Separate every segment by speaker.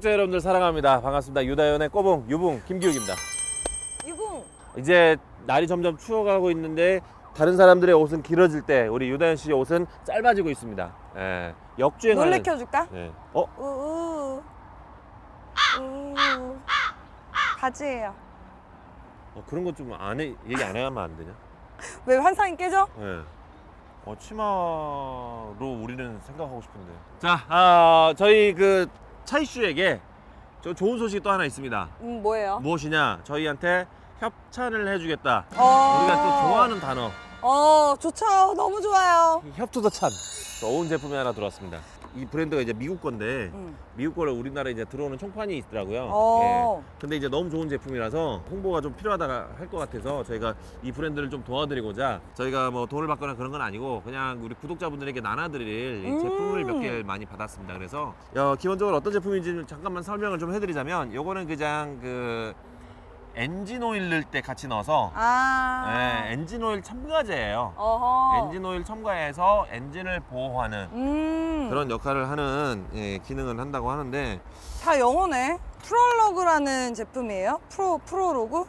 Speaker 1: 구독자 여러분들 사랑합니다. 반갑습니다. 유다현의 꼬붕 유붕 김기욱입니다.
Speaker 2: 유붕.
Speaker 1: 이제 날이 점점 추워가고 있는데 다른 사람들의 옷은 길어질 때 우리 유다현 씨의 옷은 짧아지고 있습니다. 예, 역주행하는.
Speaker 2: 놀래켜줄까?
Speaker 1: 예.
Speaker 2: 우우. 바지예요.
Speaker 1: 그런 거 좀 얘기 안 해야만 안 되냐?
Speaker 2: 왜 환상이 깨져?
Speaker 1: 예. 치마로 우리는 생각하고 싶은데. 자, 저희 그 차이슈에게 좋은 소식이 또 하나 있습니다.
Speaker 2: 뭐예요?
Speaker 1: 무엇이냐? 저희한테 협찬을 해주겠다.
Speaker 2: 어.
Speaker 1: 우리가 또 좋아하는 단어.
Speaker 2: 좋죠. 너무 좋아요.
Speaker 1: 협투더찬. 좋은 제품이 하나 들어왔습니다. 이 브랜드가 이제 미국 건데 미국 거를 우리나라에 이제 들어오는 총판이 있더라고요. 예. 근데 이제 너무 좋은 제품이라서 홍보가 좀 필요하다 할 것 같아서 저희가 이 브랜드를 좀 도와드리고자 저희가 뭐 돈을 받거나 그런 건 아니고 그냥 우리 구독자분들에게 나눠드릴 이 제품을 몇 개 많이 받았습니다. 그래서 기본적으로 어떤 제품인지 잠깐만 설명을 좀 해드리자면 요거는 그냥 그 엔진 오일 넣을 때 같이 넣어서 엔진 오일 첨가제예요. 엔진 오일 첨가해서 엔진을 보호하는 그런 역할을 하는 기능을 한다고 하는데
Speaker 2: 다 영어네. 프롤로그라는 제품이에요? 프로로그?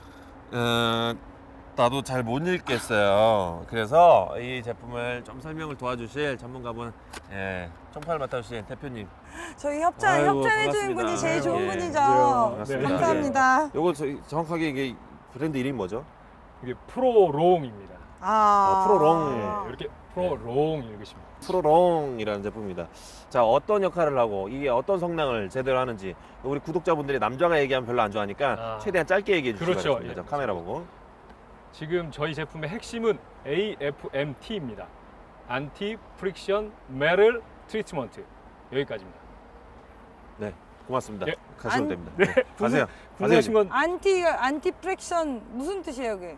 Speaker 1: 나도 잘 못 읽겠어요. 그래서 이 제품을 좀 설명을 도와주실 전문가분 청팔 맡아주신 대표님.
Speaker 2: 저희
Speaker 1: 아이고,
Speaker 2: 협찬해주는
Speaker 1: 반갑습니다.
Speaker 2: 분이 제일 좋은
Speaker 1: 예.
Speaker 2: 분이죠.
Speaker 1: 반갑습니다.
Speaker 2: 감사합니다.
Speaker 1: 요거 정확하게 이게 브랜드 이름이 뭐죠?
Speaker 3: 이게 프로롱입니다.
Speaker 1: 프로롱.
Speaker 3: 네, 이렇게 프로롱 읽으십니다.
Speaker 1: 프로롱이라는 제품입니다. 자, 어떤 역할을 하고 이게 어떤 성능을 제대로 하는지 우리 구독자분들이 남자가 얘기하면 별로 안 좋아하니까 최대한 짧게 얘기해 주시기
Speaker 3: 그렇죠.
Speaker 1: 바랍니다.
Speaker 3: 예.
Speaker 1: 카메라 보고.
Speaker 3: 지금 저희 제품의 핵심은 AFMT입니다. 안티 프릭션 메럴 트리트먼트. 여기까지입니다.
Speaker 1: 네, 고맙습니다.
Speaker 3: 예.
Speaker 1: 가시면 됩니다.
Speaker 3: 네,
Speaker 1: 가세요.
Speaker 3: 궁금하신 건
Speaker 2: 안티 프랙션 무슨 뜻이에요, 그게?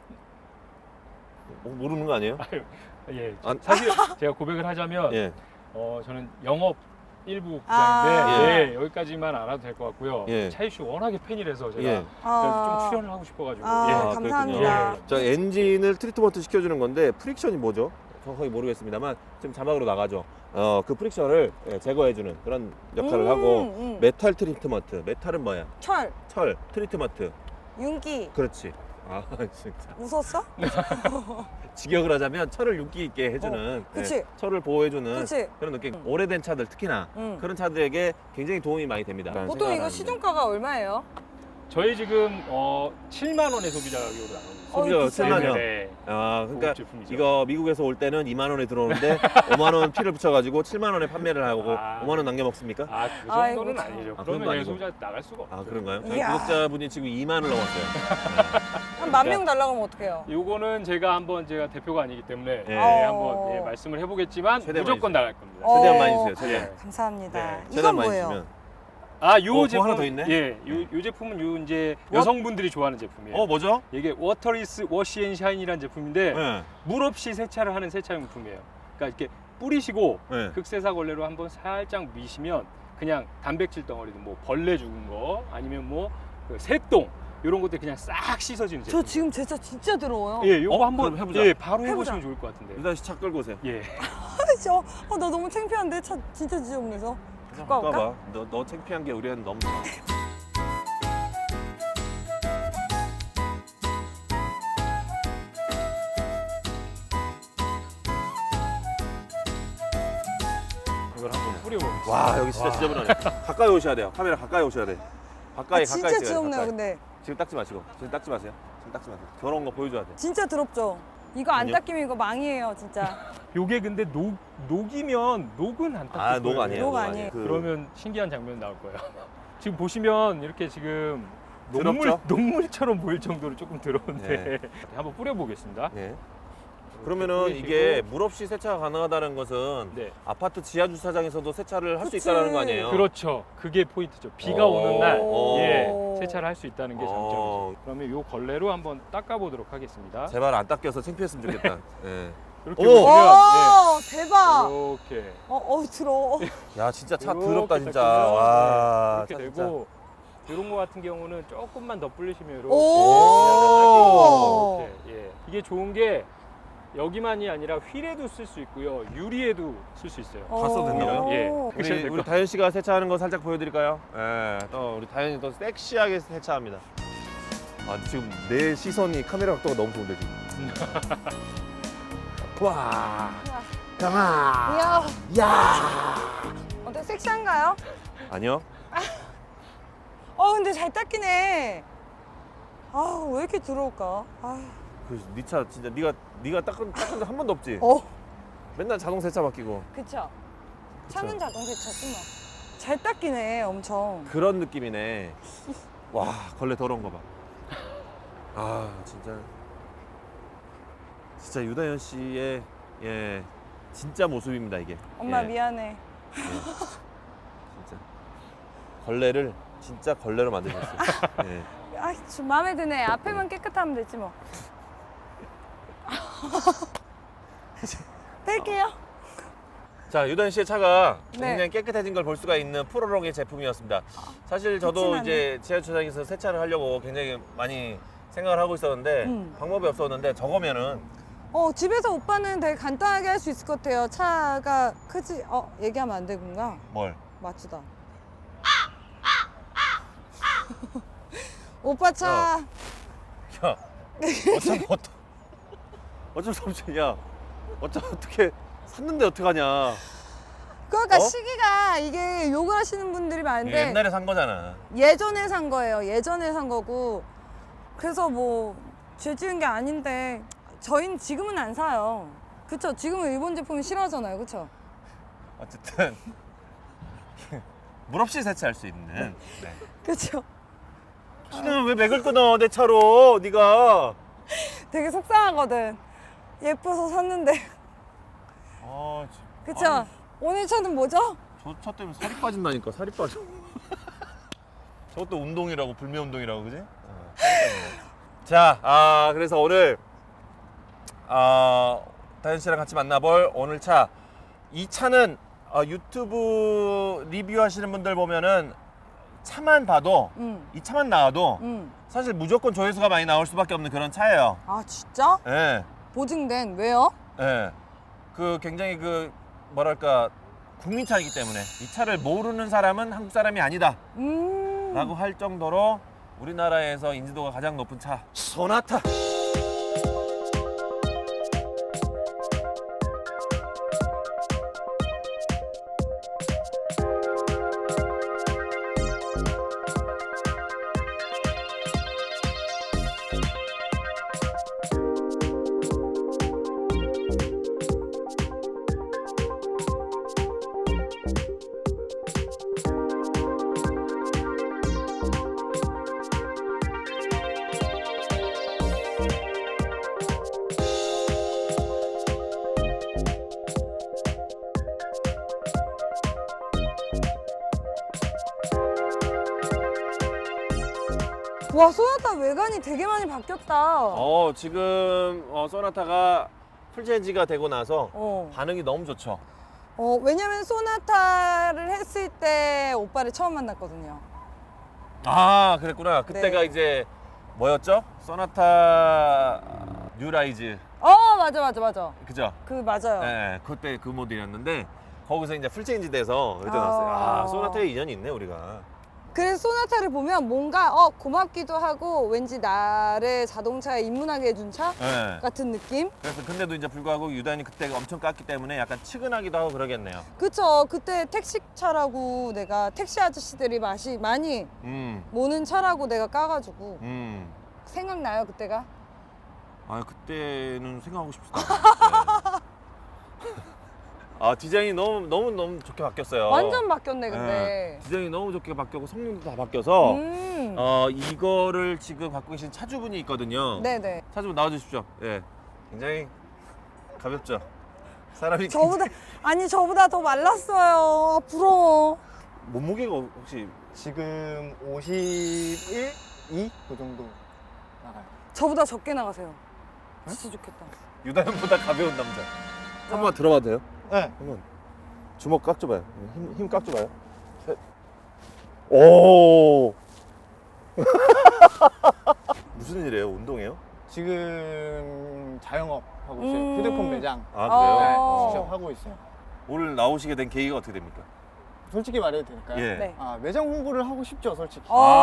Speaker 1: 모르는 거 아니에요?
Speaker 3: 예.
Speaker 1: 안-
Speaker 3: 사실 제가 고백을 하자면
Speaker 1: 예.
Speaker 3: 저는 영업 일부
Speaker 2: 아.
Speaker 3: 부장인데 여기까지만 알아도 될 것 같고요.
Speaker 1: 예.
Speaker 3: 차이슈 워낙에 팬이라서 제가
Speaker 1: 예.
Speaker 3: 그래서 좀 출연을 하고 싶어가지고.
Speaker 2: 감사합니다.
Speaker 3: 예.
Speaker 1: 자, 엔진을 트리트먼트 시켜주는 건데 프릭션이 뭐죠? 정확하게 모르겠습니다만 지금 자막으로 나가죠. 그 프릭션을 제거해주는 그런 역할을 하고 메탈 트리트먼트. 메탈은 뭐야? 철 트리트먼트.
Speaker 2: 윤기.
Speaker 1: 그렇지. 아 진짜.
Speaker 2: 웃었어?
Speaker 1: 직역을 하자면 철을 윤기 있게 해주는
Speaker 2: 그치.
Speaker 1: 철을 보호해주는
Speaker 2: 그치.
Speaker 1: 그런 느낌. 오래된 차들 특히나 그런 차들에게 굉장히 도움이 많이 됩니다.
Speaker 2: 보통 이거 시중가가 얼마예요?
Speaker 3: 저희 지금 7만 원의 소비자 가격으로 나옵니다.
Speaker 1: 소비자가
Speaker 2: 비싸네.
Speaker 1: 7만 원.
Speaker 3: 네.
Speaker 1: 그러니까
Speaker 3: 고급 제품이죠.
Speaker 1: 이거 미국에서 올 때는 2만 원에 들어오는데 5만 원 피를 붙여가지고 7만 원에 판매를 하고 5만 원 남겨 먹습니까?
Speaker 3: 그
Speaker 2: 아이고,
Speaker 3: 정도는
Speaker 2: 참.
Speaker 3: 아니죠.
Speaker 1: 그런 거
Speaker 3: 그러면
Speaker 1: 아니고.
Speaker 3: 소비자 나갈 수가 없죠.
Speaker 1: 그런가요? 저희
Speaker 2: 이야.
Speaker 1: 구독자분이 지금 2만을 넘었어요.
Speaker 2: 한 10,000명 달라고 하면 어떡해요?
Speaker 3: 요거는 제가 대표가 아니기 때문에
Speaker 1: 예.
Speaker 3: 한번 말씀을 해보겠지만
Speaker 1: 최대한
Speaker 3: 무조건
Speaker 1: 많이
Speaker 3: 나갈 겁니다.
Speaker 1: 최대한
Speaker 2: 어.
Speaker 1: 많이 주세요. 최대한.
Speaker 2: 감사합니다.
Speaker 3: 네.
Speaker 2: 이건
Speaker 1: 최대한 많이
Speaker 2: 뭐예요?
Speaker 1: 주시면.
Speaker 3: 요
Speaker 1: 또
Speaker 3: 제품
Speaker 1: 하나 더 있네?
Speaker 3: 예, 요 제품은 이제 여성분들이 좋아하는 제품이에요.
Speaker 1: 뭐죠?
Speaker 3: 이게 워터리스 워시앤샤인이라는 제품인데
Speaker 1: 네.
Speaker 3: 물 없이 세차를 하는 세차용품이에요. 그러니까 이렇게 뿌리시고
Speaker 1: 네.
Speaker 3: 극세사 걸레로 한번 살짝 미시면 그냥 단백질 덩어리도 뭐 벌레 죽은 거 아니면 그 새똥 이런 것들 그냥 싹 씻어지는 제품.
Speaker 2: 저 지금 제차 진짜 더러워요.
Speaker 3: 예, 요거 한번
Speaker 1: 그럼 해보자.
Speaker 3: 예, 바로
Speaker 2: 해보자.
Speaker 3: 해보시면 좋을 것 같은데.
Speaker 1: 유다 씨 차 끌고 오세요.
Speaker 3: 예.
Speaker 2: 나 너무 창피한데 차 진짜 지저분해서. 갖고
Speaker 1: 갖고
Speaker 2: 와볼까?
Speaker 1: 와봐. 너 창피한 게 우리한테 너무 좋아.
Speaker 3: 이걸 한번 뿌려보겠습니다.
Speaker 1: 와 여기 진짜 지저분하네. 가까이 오셔야 돼요. 카메라 가까이 오셔야 돼. 가까이
Speaker 2: 진짜
Speaker 1: 찍어야 돼,
Speaker 2: 지저분해요,
Speaker 1: 가까이.
Speaker 2: 근데.
Speaker 1: 지금 닦지 마시고. 지금 닦지 마세요. 지금 닦지 마세요. 더러운 거 보여줘야 돼.
Speaker 2: 진짜 더럽죠? 이거 안
Speaker 1: 아니요.
Speaker 2: 닦이면 이거 망이에요, 진짜.
Speaker 3: 요게 근데 녹이면 녹은 안 닦을 거예요.
Speaker 1: 녹 아니에요.
Speaker 2: 녹 아니에요.
Speaker 3: 그러면 신기한 장면 나올 거예요. 지금 보시면 이렇게 지금
Speaker 1: 더럽죠?
Speaker 3: 녹물처럼 보일 정도로 조금 더러운데
Speaker 1: 네.
Speaker 3: 한번 뿌려보겠습니다.
Speaker 1: 네. 그러면은 이게 물 없이 세차가 가능하다는 것은
Speaker 3: 네.
Speaker 1: 아파트 지하 주차장에서도 세차를 할 수
Speaker 2: 그치.
Speaker 1: 있다는 거 아니에요?
Speaker 3: 그렇죠. 그게 포인트죠. 비가
Speaker 1: 오.
Speaker 3: 오는 날
Speaker 1: 오.
Speaker 3: 예, 세차를 할 수 있다는 게
Speaker 1: 오.
Speaker 3: 장점이죠. 그러면 요 걸레로 한번 닦아보도록 하겠습니다.
Speaker 1: 제발 안 닦여서 창피했으면 좋겠다. 예.
Speaker 3: 이렇게
Speaker 1: 오.
Speaker 3: 보시면
Speaker 2: 오, 대박!
Speaker 3: 이렇게
Speaker 2: 더러워.
Speaker 1: 야 진짜 차
Speaker 3: 이렇게
Speaker 1: 더럽다 진짜.
Speaker 3: 닦으면,
Speaker 1: 와.
Speaker 3: 네, 이렇게
Speaker 1: 차 진짜.
Speaker 3: 되고 이런 거 같은 경우는 조금만 더 불리시면 이렇게
Speaker 2: 오.
Speaker 3: 이렇게 예. 이게 좋은 게 여기만이 아니라 휠에도 쓸 수 있고요. 유리에도 쓸 수 있어요.
Speaker 1: 다 써도 된다고요?
Speaker 3: 예.
Speaker 1: 우리 다현 씨가 세차하는 거 살짝 보여드릴까요? 예, 또 우리 다현이 또 섹시하게 세차합니다. 아 지금 내 시선이 카메라 각도가 너무 좋은데 지금. 와, 강아,
Speaker 2: 이야,
Speaker 1: 야.
Speaker 2: 어때 섹시한가요?
Speaker 1: 아니요.
Speaker 2: 근데 잘 닦이네. 왜 이렇게 더러울까?
Speaker 1: 네 차 진짜 네가 닦은 적 한 번도 없지. 맨날 자동 세차 맡기고.
Speaker 2: 그쵸. 차는 자동 세차지 뭐. 잘 닦이네, 엄청.
Speaker 1: 그런 느낌이네. 와, 걸레 더러운 거 봐. 아, 진짜 유다현 씨의 진짜 모습입니다 이게.
Speaker 2: 엄마
Speaker 1: 예,
Speaker 2: 미안해.
Speaker 1: 진짜 걸레를 진짜 걸레로 만드셨어요. 예.
Speaker 2: 좀 마음에 드네. 앞에만 깨끗하면 되지 뭐. 뺄게요.
Speaker 1: 자, 유다현 씨의 차가
Speaker 2: 네.
Speaker 1: 굉장히 깨끗해진 걸 볼 수가 있는 프로롱의 제품이었습니다. 사실 저도
Speaker 2: 그치만은.
Speaker 1: 이제 지하주차장에서 세차를 하려고 굉장히 많이 생각을 하고 있었는데 방법이 없었는데 저거면은
Speaker 2: 집에서 오빠는 되게 간단하게 할 수 있을 것 같아요. 차가 크지? 얘기하면 안 되구나.
Speaker 1: 뭘?
Speaker 2: 맞추다. 오빠 차.
Speaker 1: 야, 어쩔 수 없지. 야, 어떻게 샀는데 어떡하냐.
Speaker 2: 그러니까
Speaker 1: 어?
Speaker 2: 시기가 이게 욕을 하시는 분들이
Speaker 1: 이게
Speaker 2: 많은데
Speaker 1: 옛날에 산 거잖아.
Speaker 2: 예전에 산 거예요. 예전에 산 거고. 그래서 뭐 죄 지은 게 아닌데 저희는 지금은 안 사요. 그쵸? 지금은 일본 제품이 싫어하잖아요. 그쵸?
Speaker 1: 어쨌든 물 없이 세차할 수 있는. 네.
Speaker 2: 그쵸?
Speaker 1: 왜 맥을 끊어 내 차로 네가.
Speaker 2: 되게 속상하거든. 예뻐서 샀는데.
Speaker 1: 아,
Speaker 2: 그쵸?
Speaker 1: 아니,
Speaker 2: 오늘 차는 뭐죠?
Speaker 1: 저 차 때문에 살이 빠진다니까. 살이 빠져. 저것도 운동이라고, 불매 운동이라고, 그지? 자, 그래서 오늘 다현 씨랑 같이 만나볼 오늘 차. 이 차는 유튜브 리뷰하시는 분들 보면은 차만 봐도 이 차만 나와도 사실 무조건 조회수가 많이 나올 수밖에 없는 그런 차예요.
Speaker 2: 아 진짜?
Speaker 1: 예.
Speaker 2: 보증된. 왜요?
Speaker 1: 예. 그 굉장히 그 뭐랄까 국민차이기 때문에 이 차를 모르는 사람은 한국 사람이 아니다 라고 할 정도로 우리나라에서 인지도가 가장 높은 차 소나타.
Speaker 2: 와 소나타 외관이 되게 많이 바뀌었다.
Speaker 1: 지금 소나타가 풀체인지가 되고 나서 반응이 너무 좋죠.
Speaker 2: 왜냐면 소나타를 했을 때 오빠를 처음 만났거든요.
Speaker 1: 아, 그랬구나. 그때가
Speaker 2: 네.
Speaker 1: 이제 뭐였죠? 소나타 뉴라이즈.
Speaker 2: 맞아.
Speaker 1: 그죠?
Speaker 2: 맞아요.
Speaker 1: 네, 그때 그 모델이었는데 거기서 이제 풀체인지 돼서 그때 나왔어요. 소나타에 인연이 있네 우리가.
Speaker 2: 그래서 소나타를 보면 뭔가 고맙기도 하고 왠지 나를 자동차에 입문하게 해준 차
Speaker 1: 네.
Speaker 2: 같은 느낌?
Speaker 1: 그래서 근데도 이제 불구하고 유단이 그때 엄청 깠기 때문에 약간 측은하기도 하고 그러겠네요.
Speaker 2: 그쵸. 그때 택시차라고 내가 택시 아저씨들이 많이 모는 차라고 내가 까가지고 생각나요 그때가?
Speaker 1: 그때는 생각하고 싶지도 않아요. 네. 디자인이 너무 좋게 바뀌었어요.
Speaker 2: 완전 바뀌었네 근데.
Speaker 1: 네. 디자인이 너무 좋게 바뀌었고 성능도 다 바뀌어서 이거를 지금 갖고 계신 차주분이 있거든요.
Speaker 2: 네네.
Speaker 1: 차주분 나와주십시오. 예, 굉장히 가볍죠. 사람이
Speaker 2: 저보다 더 말랐어요. 부러워.
Speaker 1: 몸무게가 혹시
Speaker 4: 지금 51, 2? 그 정도 나가요.
Speaker 2: 저보다 적게 나가세요. 진짜 좋겠다.
Speaker 1: 유다현보다 가벼운 남자. 한번 들어봐도 돼요?
Speaker 4: 네.
Speaker 1: 한번 주먹 깍 줘봐요. 힘 깍 줘봐요. 셋. 오. 무슨 일이에요? 운동이에요?
Speaker 4: 지금 자영업 하고 있어요. 휴대폰 매장
Speaker 1: 아 그래요?
Speaker 4: 네,
Speaker 2: 어.
Speaker 4: 직접 하고 있어요.
Speaker 1: 오늘 나오시게 된 계기가 어떻게 됩니까?
Speaker 4: 솔직히 말해도 될까요?
Speaker 1: 예.
Speaker 2: 네.
Speaker 4: 아, 매장 홍보를 하고 싶죠, 솔직히.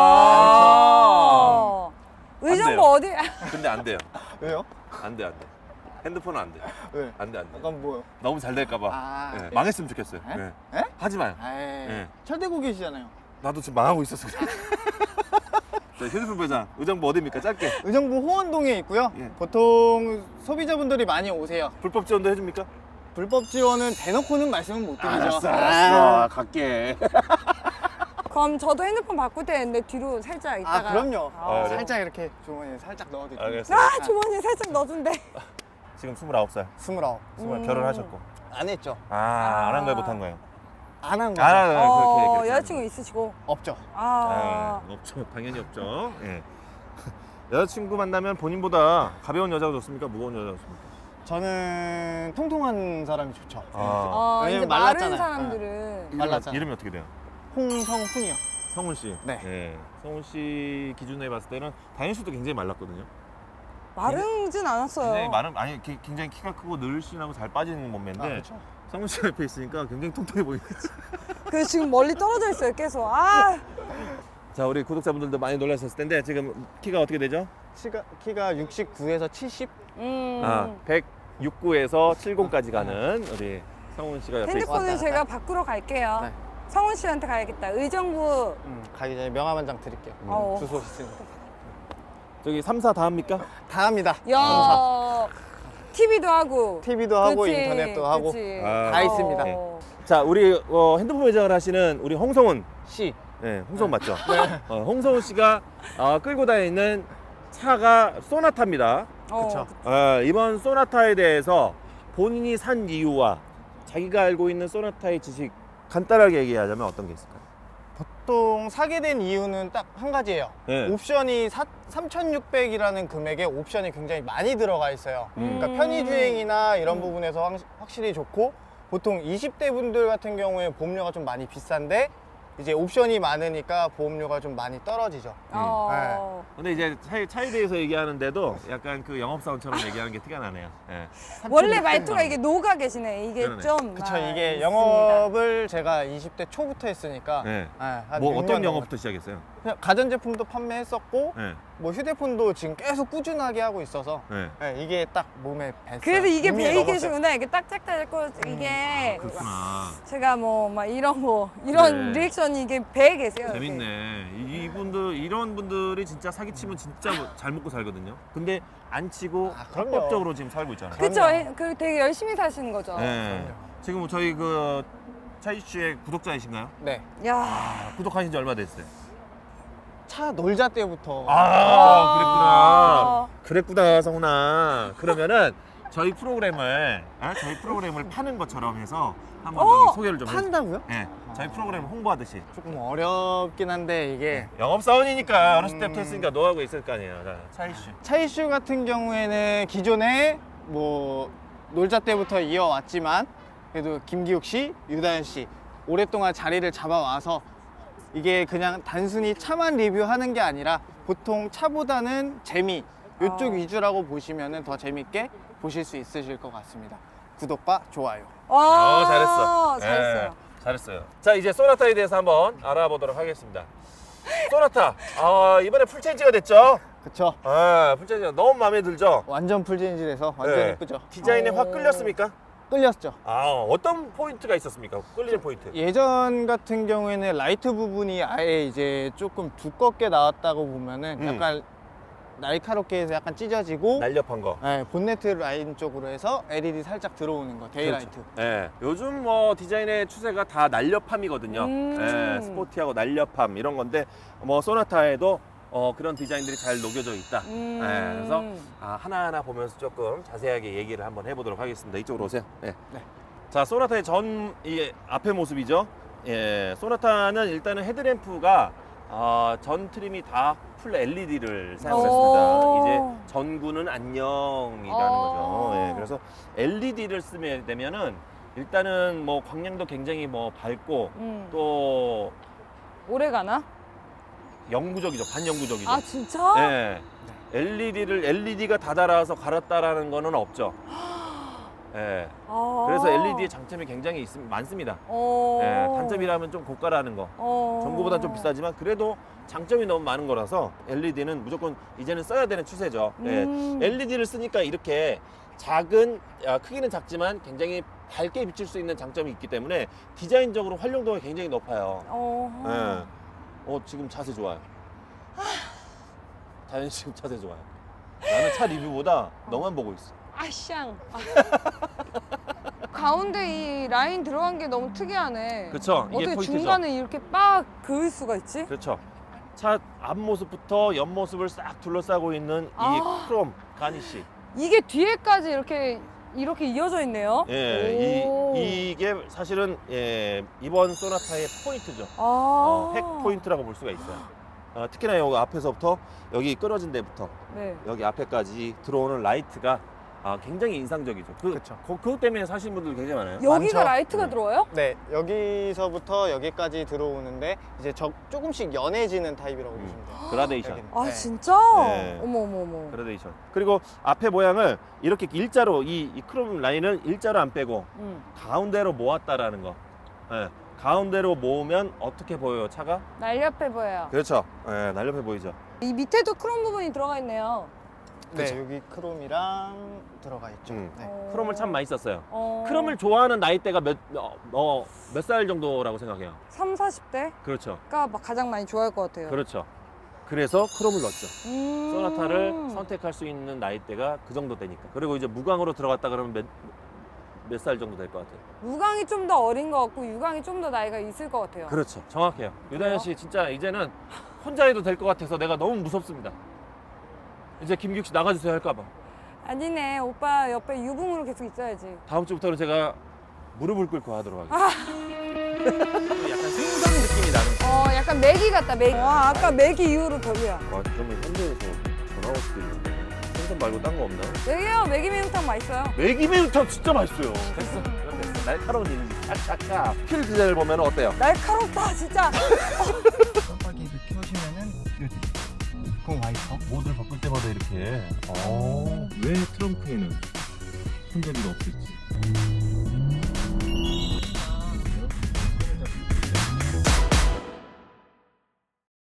Speaker 2: 아, 의정부
Speaker 1: 돼요.
Speaker 2: 어디?
Speaker 1: 근데 안 돼요.
Speaker 4: 왜요?
Speaker 1: 안 돼. 핸드폰은 안 돼.
Speaker 4: 왜?
Speaker 1: 안 돼.
Speaker 4: 약간 뭐요?
Speaker 1: 너무 잘 될까봐.
Speaker 4: 아,
Speaker 1: 예. 망했으면 좋겠어요.
Speaker 4: 에?
Speaker 1: 예.
Speaker 4: 에?
Speaker 1: 하지 마요.
Speaker 4: 아,
Speaker 1: 예.
Speaker 4: 철대고 계시잖아요.
Speaker 1: 나도 지금 망하고 있었어. 자, 휴대폰 매장 의정부 어디입니까? 짧게.
Speaker 4: 의정부 호원동에 있고요.
Speaker 1: 예.
Speaker 4: 보통 소비자분들이 많이 오세요.
Speaker 1: 불법 지원도 해줍니까?
Speaker 4: 불법 지원은 대놓고는 말씀은 못 드리죠.
Speaker 1: 갈게.
Speaker 2: 그럼 저도 핸드폰 바꿀 때 했는데 뒤로 살짝
Speaker 4: 아,
Speaker 2: 있다가.
Speaker 4: 그럼요.
Speaker 1: 아, 그래요?
Speaker 4: 살짝 이렇게 주머니에 살짝 넣어드릴게요.
Speaker 1: 알겠어요.
Speaker 2: 아, 주머니에 살짝 넣어준대.
Speaker 1: 지금 29살.
Speaker 4: 29.
Speaker 1: 결혼하셨고.
Speaker 4: 안 했죠.
Speaker 1: 안 한 거예요, 못 한 거예요?
Speaker 4: 안 한 거죠.
Speaker 1: 안 한 거예요. 그렇게.
Speaker 2: 여자친구 있으시고.
Speaker 4: 없죠.
Speaker 1: 없죠. 당연히 없죠. 예. 여자친구 만나면 본인보다 가벼운 여자가 좋습니까? 무거운 여자가 좋습니까?
Speaker 4: 저는 통통한 사람이 좋죠.
Speaker 2: 이제
Speaker 4: 왜냐면
Speaker 2: 마른
Speaker 4: 말랐잖아요.
Speaker 2: 사람들은.
Speaker 4: 말랐잖아요.
Speaker 1: 이름이 어떻게 돼요?
Speaker 4: 홍성훈이요.
Speaker 1: 성훈 씨.
Speaker 4: 네.
Speaker 1: 예. 성훈 씨 기준에 봤을 때는 다현 씨도 굉장히 말랐거든요.
Speaker 2: 마르진 않았어요.
Speaker 1: 굉장히 아니 굉장히 키가 크고 늘씬하고 잘 빠지는 몸매인데
Speaker 4: 그렇죠.
Speaker 1: 성훈 씨가 옆에 있으니까 굉장히 통통해 보이죠.
Speaker 2: 그 지금 멀리 떨어져 있어요, 계속.
Speaker 1: 자, 우리 구독자분들도 많이 놀라셨을 텐데 지금 키가 어떻게 되죠?
Speaker 4: 키가 69에서 70?
Speaker 1: 169에서 70까지 가는 우리 성훈 씨가 옆에
Speaker 2: 핸드폰을
Speaker 4: 왔다
Speaker 2: 제가
Speaker 4: 갔다.
Speaker 2: 바꾸러 갈게요.
Speaker 4: 네.
Speaker 2: 성훈 씨한테 가야겠다. 의정부.
Speaker 4: 가기 전에 명함 한 장 드릴게요.
Speaker 2: 어.
Speaker 4: 주소 있으니까.
Speaker 1: 저기 3, 4 다 합니까?
Speaker 4: 다 합니다.
Speaker 2: 야, TV도 하고.
Speaker 4: TV도 하고
Speaker 2: 그치,
Speaker 4: 인터넷도 하고
Speaker 2: 그치.
Speaker 4: 다 있습니다.
Speaker 1: 자, 우리 핸드폰 매장을 하시는 우리 홍성훈.
Speaker 4: C.
Speaker 1: 네, 홍성훈 맞죠? 홍성훈 씨가 끌고 다니는 차가 소나타입니다.
Speaker 4: 그쵸.
Speaker 1: 이번 소나타에 대해서 본인이 산 이유와 자기가 알고 있는 소나타의 지식 간단하게 얘기하자면 어떤 게 있을까요?
Speaker 4: 보통 사게 된 이유는 딱 한 가지예요.
Speaker 1: 네.
Speaker 4: 옵션이 3,600이라는 금액에 옵션이 굉장히 많이 들어가 있어요. 그러니까 편의주행이나 이런 부분에서 확실히 좋고, 보통 20대 분들 같은 경우에 보험료가 좀 많이 비싼데 이제 옵션이 많으니까 보험료가 좀 많이 떨어지죠.
Speaker 1: 근데 이제 차에 대해서 얘기하는데도 약간 그 영업사원처럼 얘기하는 게 티가 나네요. 예.
Speaker 2: 원래 말투가 이게 녹아 계시네. 이게
Speaker 1: 그러네.
Speaker 2: 좀.
Speaker 4: 그쵸. 이게 영업을 제가 20대 초부터 했으니까
Speaker 1: 네.
Speaker 4: 한
Speaker 1: 뭐
Speaker 4: 6년
Speaker 1: 어떤
Speaker 4: 넘었-
Speaker 1: 영업부터 시작했어요?
Speaker 4: 그냥 가전제품도 판매했었고
Speaker 1: 네.
Speaker 4: 뭐 휴대폰도 지금 계속 꾸준하게 하고 있어서
Speaker 1: 네.
Speaker 4: 이게 딱 몸에 뱄어요.
Speaker 2: 그래서 이게
Speaker 4: 몸에
Speaker 2: 배이
Speaker 4: 먹었어요.
Speaker 2: 계시구나. 이게 딱딱딱 했고 이게
Speaker 1: 그렇구나.
Speaker 2: 제가 막 이런
Speaker 1: 네.
Speaker 2: 리액션이 이게 배에 계세요. 이렇게.
Speaker 1: 재밌네. 이분들 이런 분들이 진짜 사기치면 진짜 잘 먹고 살거든요. 근데 안 치고
Speaker 4: 그럼요.
Speaker 1: 합법적으로 지금 살고 있잖아요.
Speaker 2: 그쵸?
Speaker 4: 그럼요.
Speaker 2: 그 되게 열심히 사시는 거죠.
Speaker 1: 네. 지금 저희 그 차이슈의 구독자이신가요?
Speaker 4: 네.
Speaker 2: 야,
Speaker 1: 구독하신 지 얼마 됐어요?
Speaker 4: 차 놀자 때부터
Speaker 1: 아, 그랬구나 성훈아. 그러면은 저희 프로그램을 파는 것처럼 해서 한번 저기 소개를 좀 해주세요.
Speaker 4: 판다고요?
Speaker 1: 네, 저희 프로그램 홍보하듯이.
Speaker 4: 조금 어렵긴 한데 이게
Speaker 1: 영업사원이니까 어렸을 때부터 했으니까 노하우가 있을 거 아니에요. 자, 차이슈.
Speaker 4: 차이슈 같은 경우에는 기존에 뭐 놀자 때부터 이어왔지만 그래도 김기욱 씨, 유다현 씨 오랫동안 자리를 잡아와서 이게 그냥 단순히 차만 리뷰하는 게 아니라 보통 차보다는 재미 이쪽 위주라고 보시면 더 재밌게 보실 수 있으실 것 같습니다. 구독과 좋아요.
Speaker 2: 와,
Speaker 1: 잘했어.
Speaker 2: 잘했어요.
Speaker 1: 네, 잘했어요. 자, 이제 소나타에 대해서 한번 알아보도록 하겠습니다. 소나타, 이번에 풀체인지가 됐죠?
Speaker 4: 그쵸?
Speaker 1: 풀체인지가 너무 마음에 들죠?
Speaker 4: 완전 풀체인지돼서 완전
Speaker 1: 네.
Speaker 4: 예쁘죠?
Speaker 1: 디자인에 확 끌렸습니까?
Speaker 4: 끌렸죠?
Speaker 1: 어떤 포인트가 있었습니까? 끌리는 포인트.
Speaker 4: 예전 같은 경우에는 라이트 부분이 아예 이제 조금 두껍게 나왔다고 보면은 약간 날카롭게 해서 약간 찢어지고
Speaker 1: 날렵한 거.
Speaker 4: 네, 본네트 라인 쪽으로 해서 LED 살짝 들어오는 거, 데이라이트.
Speaker 1: 네, 요즘 뭐 디자인의 추세가 다 날렵함이거든요. 네, 스포티하고 날렵함 이런 건데 뭐 소나타에도 그런 디자인들이 잘 녹여져 있다. 네, 그래서 하나하나 보면서 조금 자세하게 얘기를 한번 해보도록 하겠습니다. 이쪽으로 오세요. 네.
Speaker 4: 네.
Speaker 1: 자, 소나타의 이 앞의 모습이죠. 예, 소나타는 일단은 헤드램프가 전 트림이 다 풀 LED를 사용했습니다. 이제 전구는 안녕이라는 거죠. 예, 그래서 LED를 쓰게 되면은 일단은 뭐 광량도 굉장히 뭐 밝고 또
Speaker 2: 오래 가나?
Speaker 1: 영구적이죠. 반영구적이죠.
Speaker 2: 아, 진짜?
Speaker 1: 예. LED가 다 달아서 갈았다라는 거는 없죠. 예.
Speaker 2: 아.
Speaker 1: 그래서 LED의 장점이 굉장히 많습니다. 예, 단점이라면 좀 고가라는 거. 전구보다 좀 비싸지만 그래도 장점이 너무 많은 거라서 LED는 무조건 이제는 써야 되는 추세죠. 예. LED를 쓰니까 이렇게 작은, 크기는 작지만 굉장히 밝게 비칠 수 있는 장점이 있기 때문에 디자인적으로 활용도가 굉장히 높아요. 예. 지금 자세 좋아요. 다현 씨 지금 자세 좋아요. 나는 차 리뷰보다 너만 보고 있어.
Speaker 2: 아샹. 가운데 이 라인 들어간 게 너무 특이하네.
Speaker 1: 그쵸? 이게
Speaker 2: 어떻게
Speaker 1: 포인트죠.
Speaker 2: 중간에 이렇게 빡 그을 수가 있지?
Speaker 1: 그렇죠. 차 앞모습부터 옆모습을 싹 둘러싸고 있는
Speaker 2: 아.
Speaker 1: 이 크롬 가니쉬.
Speaker 2: 이게 뒤에까지 이렇게 이어져 있네요.
Speaker 1: 예,
Speaker 2: 오.
Speaker 1: 이게 사실은 이번 소나타의 포인트죠. 핵 포인트라고 볼 수가 있어요. 특히나 여기 앞에서부터 여기 끊어진 데부터
Speaker 2: 네.
Speaker 1: 여기 앞에까지 들어오는 라이트가 굉장히 인상적이죠.
Speaker 4: 그쵸.
Speaker 1: 그것 때문에 사시는 분들 굉장히 많아요.
Speaker 2: 여기가
Speaker 4: 많죠.
Speaker 2: 라이트가
Speaker 1: 네.
Speaker 2: 들어와요?
Speaker 4: 네, 여기서부터 여기까지 들어오는데 이제 조금씩 연해지는 타입이라고 보시면 돼요.
Speaker 1: 그라데이션.
Speaker 4: 여기는.
Speaker 2: 아
Speaker 4: 네.
Speaker 2: 진짜?
Speaker 1: 네.
Speaker 2: 어머.
Speaker 1: 그라데이션. 그리고 앞에 모양을 이렇게 일자로 이 크롬 라인을 일자로 안 빼고 가운데로 모았다라는 거. 예, 가운데로 모으면 어떻게 보여요, 차가?
Speaker 2: 날렵해 보여요.
Speaker 1: 그렇죠. 예, 날렵해 보이죠.
Speaker 2: 이 밑에도 크롬 부분이 들어가 있네요.
Speaker 4: 네,
Speaker 1: 그쵸.
Speaker 4: 여기 크롬이랑 들어가 있죠.
Speaker 1: 음.
Speaker 4: 네.
Speaker 1: 크롬을 참 많이 썼어요.
Speaker 2: 어.
Speaker 1: 크롬을 좋아하는 나이대가 몇 살 정도라고 생각해요?
Speaker 2: 3, 40대가
Speaker 1: 그렇죠.
Speaker 2: 막 가장 많이 좋아할 것 같아요.
Speaker 1: 그렇죠. 그래서 크롬을 넣었죠. 소나타를
Speaker 2: 선
Speaker 1: 선택할 수 있는 나이대가 그 정도 되니까. 그리고 이제 무광으로 들어갔다 그러면 몇 살 정도 될 것 같아요?
Speaker 2: 무광이 좀 더 어린 것 같고 유광이 좀 더 나이가 있을 것 같아요.
Speaker 1: 그렇죠. 정확해요. 유다현 씨 진짜 이제는 혼자 해도 될 것 같아서 내가 너무 무섭습니다. 이제 김기욱 씨 나가주세요 할까 봐.
Speaker 2: 아니네, 오빠 옆에 유붕으로 계속 있어야지.
Speaker 1: 다음 주부터는 제가 무릎을 꿇고 하도록 하겠습니다. 약간 생선 느낌이 나는.
Speaker 2: 약간 매기 같다, 매기. 와, 아까 매기 이후로 별로야.
Speaker 1: 그러면 현대에서 전화 올 수도 있는데 생선 말고 딴 거 없나?
Speaker 2: 매기요, 매기 매운탕 맛있어요.
Speaker 1: 매기 매운탕 진짜 맛있어요. 됐어. 그럼 됐어. 날카로운 이미지 착착착. 필 디자인을 보면 어때요?
Speaker 2: 날카롭다, 진짜.
Speaker 4: 깜빡이를 켜시면은 그건 와이퍼.
Speaker 1: 모드를 바꿀 때마다 이렇게. 왜 트렁크에는 손잡이가 없을지.